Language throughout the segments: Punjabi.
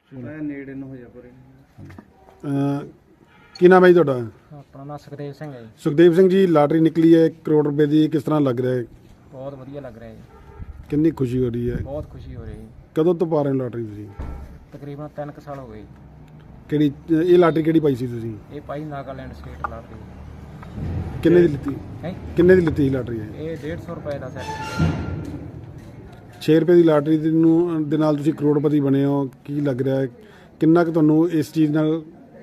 ਨੇੜੇ ਨੂੰ ਹੋ ਜਾ ਪਰੇ। ਕੀ ਨਾਮ ਹੈ ਜੀ ਤੁਹਾਡਾ? ਆਪਣਾ ਨਾਮ ਸੁਖਦੇਵ ਸਿੰਘ ਹੈ ਜੀ। ਸੁਖਦੇਵ ਸਿੰਘ ਜੀ, ਲਾਟਰੀ ਨਿਕਲੀ ਹੈ 1 ਕਰੋੜ ਰੁਪਏ ਦੀ, ਕਿਸ ਤਰ੍ਹਾਂ ਲੱਗ ਰਿਹਾ ਹੈ? ਬਹੁਤ ਵਧੀਆ ਲੱਗ ਰਿਹਾ ਜੀ। ਕਿੰਨੀ ਖੁਸ਼ੀ ਹੋ ਰਹੀ ਹੈ? ਬਹੁਤ ਖੁਸ਼ੀ ਹੋ ਰਹੀ ਹੈ। ਕਦੋਂ ਤੋਂ ਪਾ ਰਹੇ ਹੋ ਲਾਟਰੀ ਤੁਸੀਂ? ਤਕਰੀਬਨ 3 ਸਾਲ ਹੋ ਗਏ। ਕਿਹੜੀ ਇਹ ਲਾਟਰੀ ਕਿਹੜੀ ਪਾਈ ਸੀ ਤੁਸੀਂ? ਇਹ ਪਾਈ ਨਾਗਾਲੈਂਡ ਸਟੇਟ ਲਾਟਰੀ। ਕਿੰਨੇ ਦੀ ਲਿੱਤੀ? ਹੈ ਕਿੰਨੇ ਦੀ ਲਿੱਤੀ ਸੀ ਲਾਟਰੀ? ਇਹ 150 ਰੁਪਏ ਦਾ ਸੈੱਟ। 6 ਰੁਪਏ ਦੀ ਲਾਟਰੀ ਦੇ ਨਾਲ ਤੁਸੀਂ ਕਰੋੜਪਤੀ ਬਣੇ ਹੋ, ਕੀ ਲੱਗ ਰਿਹਾ ਹੈ? ਕਿੰਨਾ ਕੁ ਤੁਹਾਨੂੰ ਇਸ ਚੀਜ਼ ਨਾਲ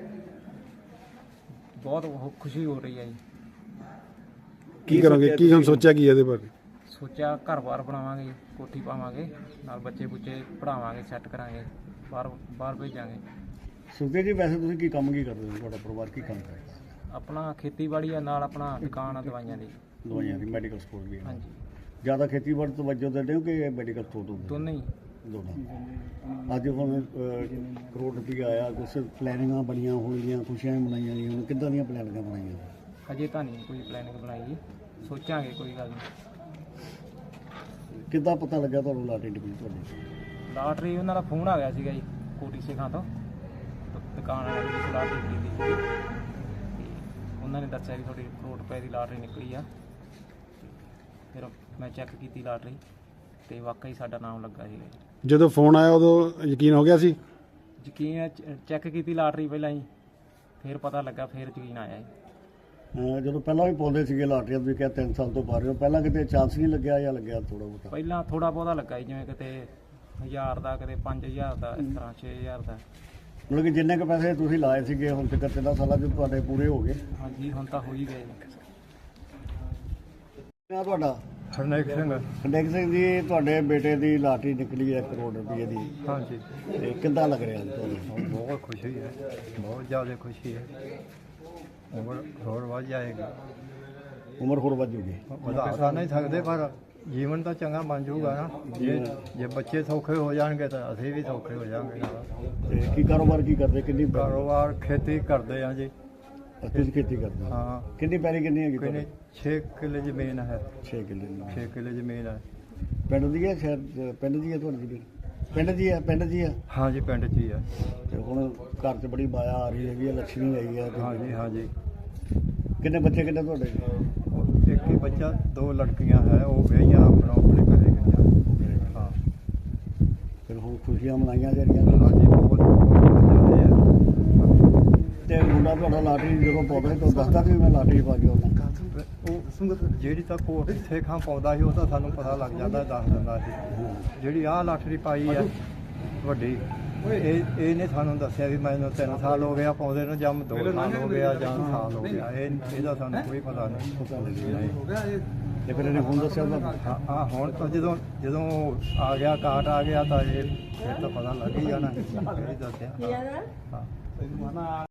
ਬਹੁਤ ਖੁਸ਼ੀ ਹੋ ਰਹੀ ਹੈ ਜੀ। ਕੀ ਕਰੋਗੇ? ਕੀ ਹੁਣ ਸੋਚਿਆ ਕੀ ਇਹਦੇ ਬਾਰੇ? ਸੋਚਿਆ ਘਰ-ਬਾਰ ਬਣਾਵਾਂਗੇ, ਕੋਠੀ ਪਾਵਾਂਗੇ, ਨਾਲ ਬੱਚੇ-ਬੁੱਚੇ ਪੜ੍ਹਾਵਾਂਗੇ, ਸੈੱਟ ਕਰਾਂਗੇ, ਬਾਹਰ ਭੇਜਾਂਗੇ। ਸੁਖਦੇਵ ਜੀ, ਵੈਸੇ ਤੁਸੀਂ ਕੀ ਕੰਮ ਕਰਦੇ ਹੋ? ਤੁਹਾਡਾ ਪਰਿਵਾਰ ਕੀ ਕੰਮ ਕਰਦਾ? ਆਪਣਾ ਖੇਤੀਬਾੜੀ ਆ, ਨਾਲ ਆਪਣਾ ਦੁਕਾਨ ਆ ਦਵਾਈਆਂ ਦੀ। ਦਵਾਈਆਂ ਦੀ ਮੈਡੀਕਲ ਸਟੋਰ ਵੀ ਹੈ। ਹਾਂਜੀ, ਜ਼ਿਆਦਾ ਖੇਤੀਬਾੜੀ ਤੋਂ ਵਜੋਂ ਦਿੰਦੇ ਹੋ ਕਿ ਮੈਡੀਕਲ ਸਟੋਰ ਤੋਂ? ਦੋਨੇ ਹੀ। ਦੋਨਾਂ। ਅੱਜ ਹੁਣ ਕਰੋੜ ਰੁਪਈਆ ਆਇਆ, ਕੁਛ ਪਲੈਨਿੰਗਾਂ ਬਣੀਆਂ ਹੋਣਗੀਆਂ, ਖੁਸ਼ੀਆਂ ਮਨਾਈਆਂ ਗਈਆਂ, ਹੁਣ ਕਿੱਦਾਂ ਦੀਆਂ ਪਲੈਨਿੰਗਾਂ ਬਣਾਈਆਂ? ਹਜੇ ਤਾਂ ਨਹੀਂ ਕੋਈ ਪਲੈਨਿੰਗ ਬਣਾਈ ਜੀ, ਸੋਚਾਂਗੇ, ਕੋਈ ਗੱਲ ਨਹੀਂ। ਕਿੱਦਾਂ ਪਤਾ ਲੱਗਾ ਤੁਹਾਨੂੰ ਲਾਟਰੀ ਨਿਕਲੀ ਤੁਹਾਡੀ? ਲਾਟਰੀ ਉਹਨਾਂ ਦਾ ਫੋਨ ਆ ਗਿਆ ਸੀਗਾ ਜੀ, ਕੋਟੀ ਸਿੰਘਾਂ ਤੋਂ, ਦੁਕਾਨ ਵਾਲੇ ਦੀ ਲਾਟਰੀ ਕੀਤੀ ਸੀ। ਉਹਨਾਂ ਨੇ ਦੱਸਿਆ ਵੀ ਤੁਹਾਡੀ ਕਰੋੜ ਰੁਪਏ ਦੀ ਲਾਟਰੀ ਨਿਕਲੀ ਆ। ਫਿਰ ਮੈਂ ਚੈੱਕ ਕੀਤੀ ਲਾਟਰੀ ਤੇ ਵਾਕਈ ਸਾਡਾ ਨਾਮ ਲੱਗਾ ਸੀਗਾ ਜੀ। ਜਦੋਂ ਫੋਨ ਆਇਆ ਉਦੋਂ ਯਕੀਨ ਹੋ ਗਿਆ ਸੀ? ਯਕੀਨ ਚੈੱਕ ਕੀਤੀ ਲਾਟਰੀ ਪਹਿਲਾਂ ਹੀ, ਫਿਰ ਪਤਾ ਲੱਗਾ, ਫਿਰ ਯਕੀਨ ਆਇਆ ਜੀ। ਜਦੋਂ ਪਹਿਲਾਂ ਵੀ ਪਾਉਂਦੇ ਸੀਗੇ ਲਾਟਰੀਆਂ, ਤੁਸੀਂ ਕਿਹਾ 3 ਸਾਲ ਤੋਂ ਪਾ ਰਹੇ ਹੋ, ਪਹਿਲਾਂ ਕਿਤੇ ਚਾਂਸ ਨਹੀਂ ਲੱਗਿਆ ਜਾਂ ਲੱਗਿਆ ਥੋੜਾ ਬਹੁਤਾ? ਪਹਿਲਾਂ ਥੋੜਾ ਬਹੁਤਾ ਲੱਗਾ ਜੀ, ਜਿਵੇਂ ਕਿਤੇ 1000 ਦਾ, ਕਿਤੇ 5000 ਦਾ, ਇਸ ਤਰ੍ਹਾਂ 6000 ਦਾ। ਮਤਲਬ ਕਿ ਜਿੰਨੇ ਕੁ ਪੈਸੇ ਤੁਸੀਂ ਲਾਏ ਸੀਗੇ ਹੁਣ ਤੱਕ 3 ਸਾਲਾਂ 'ਚ ਤੁਹਾਡੇ ਪੂਰੇ ਹੋ ਗਏ? ਹਾਂਜੀ, ਹੁਣ ਤਾਂ ਹੋ ਹੀ ਗਏ ਜੀ। ਕਿਆ ਤੁਹਾਡਾ? ਹਰਨੇਕ ਸਿੰਘ। ਹਰਨੇਕ ਸਿੰਘ ਜੀ, ਤੁਹਾਡੇ ਬੇਟੇ ਦੀ ਲਾਟਰੀ ਨਿਕਲੀ ਹੈ 1 ਕਰੋੜ ਰੁਪਏ ਦੀ, ਹਾਂਜੀ, ਤੇ ਕਿੱਦਾਂ ਲੱਗ ਰਿਹਾ ਤੁਹਾਨੂੰ? ਬਹੁਤ ਖੁਸ਼ੀ ਹੈ, ਬਹੁਤ ਜ਼ਿਆਦਾ ਖੁਸ਼ੀ ਹੈ। ਉਮਰ ਹੋਰ ਵੱਧ ਜਾਏਗੀ। ਉਮਰ ਹੋਰ ਵੱਧ ਜੂਗੀ? ਵਧਾ ਤਾਂ ਨਹੀਂ ਸਕਦੇ, ਪਰ ਜੀਵਨ ਤਾਂ ਚੰਗਾ ਬਣ ਜਾਊਗਾ ਨਾ। ਜੇ ਬੱਚੇ ਸੌਖੇ ਹੋ ਜਾਣਗੇ ਤਾਂ ਅਸੀਂ ਵੀ ਸੌਖੇ ਹੋ ਜਾਵਾਂਗੇ ਨਾਲ। ਤੇ ਕੀ ਕਾਰੋਬਾਰ ਕੀ ਕਰਦੇ? ਕਿੰਨੀ ਕਾਰੋਬਾਰ ਖੇਤੀ ਕਰਦੇ ਆ ਜੀ। ਤੁਸੀਂ ਖੇਤੀ ਕਰਦੇ ਹੋ? ਹਾਂ। ਕਿੰਨੀ ਪੈਲੀ ਕਿੰਨੀ ਹੈਗੀ ਕਿੰਨੇ ਤੁਹਾਡੀ? 6 ਕਿੱਲੇ ਜ਼ਮੀਨ ਹੈ। 6 ਕਿੱਲੇ ਦੀ। 6 ਕਿੱਲੇ ਜ਼ਮੀਨ ਹੈ। ਪਿੰਡ ਦੀ ਹੈ? ਸ਼ਹਿਰ ਪਿੰਡ ਦੀ ਹੈ ਤੁਹਾਡੀ ਜ਼ਮੀਨ? ਪਿੰਡ ਦੀ ਹੈ? ਪਿੰਡ ਦੀ ਹੈ। ਹਾਂਜੀ, ਪਿੰਡ 'ਚ ਹੀ ਹੈ। ਤੇ ਹੁਣ ਘਰ 'ਚ ਬੜੀ ਮਾਇਆ ਆ ਰਹੀ ਹੈਗੀ ਹੈ, ਲక్ష్ਮੀ ਆਈ ਹੈ। ਹਾਂਜੀ, ਹਾਂਜੀ। ਕਿੰਨੇ ਬੱਚੇ ਕਿੰਨੇ ਤੁਹਾਡੇ? ਇੱਕ ਹੀ ਬੱਚਾ, 2 ਲੜਕੀਆਂ ਹੈ, ਉਹ ਵਿਆਹੀਆਂ ਆਪਣੇ ਘਰੇ ਗਈਆਂ। ਹਾਂ। ਫਿਰ ਹੁਣ ਖੁਸ਼ੀਆਂ ਮਨਾਈਆਂ ਜਾ ਰਹੀਆਂ ਨੇ? ਹਾਂਜੀ, ਬਹੁਤ ਜ਼ਿਆਦਾ ਹੈ। ਤੇ ਮੁੰਡਾ ਤੁਹਾਡਾ ਲਾਟਰੀ ਜਦੋਂ ਪਾਉਂਦਾ ਸੀ ਤਾਂ ਦੱਸਦਾ ਸੀ ਮੈਂ ਲਾਟਰੀ ਪਾ ਕੇ ਆਉਣਾ? ਉਹ ਜਿਹੜੀ ਤਾਂ ਕੋਟ ਸੇਖਾਂ ਪਾਉਂਦਾ ਸੀ ਉਹ ਤਾਂ ਸਾਨੂੰ ਪਤਾ ਲੱਗ ਜਾਂਦਾ, ਦੱਸ ਦਿੰਦਾ ਸੀ। ਜਿਹੜੀ ਆਹ ਲਾਟਰੀ ਪਾਈ ਹੈ ਵੱਡੀ, ਇਹਨੇ ਸਾਨੂੰ ਦੱਸਿਆ ਵੀ ਮੈਨੂੰ 3 ਸਾਲ ਹੋ ਗਿਆ ਪਾਉਂਦੇ ਨੂੰ, ਜਾਂ 2 ਸਾਲ ਹੋ ਗਿਆ, ਜਾਂ ਸਾਲ ਹੋ ਗਿਆ। ਇਹਦਾ ਸਾਨੂੰ ਕੋਈ ਪਤਾ ਨਹੀਂ। ਤੇ ਫਿਰ ਇਹਨੇ ਹੁਣ ਦੱਸਿਆ ਤੁਹਾਨੂੰ? ਹਾਂ, ਹੁਣ ਤਾਂ ਜਦੋਂ ਆ ਗਿਆ, ਕਾਰਡ ਆ ਗਿਆ, ਤਾਂ ਇਹ ਫਿਰ ਤਾਂ ਪਤਾ ਲੱਗ ਹੀ ਜਾਣਾ। ਇਹ ਦੱਸਿਆ। ਹਾਂ।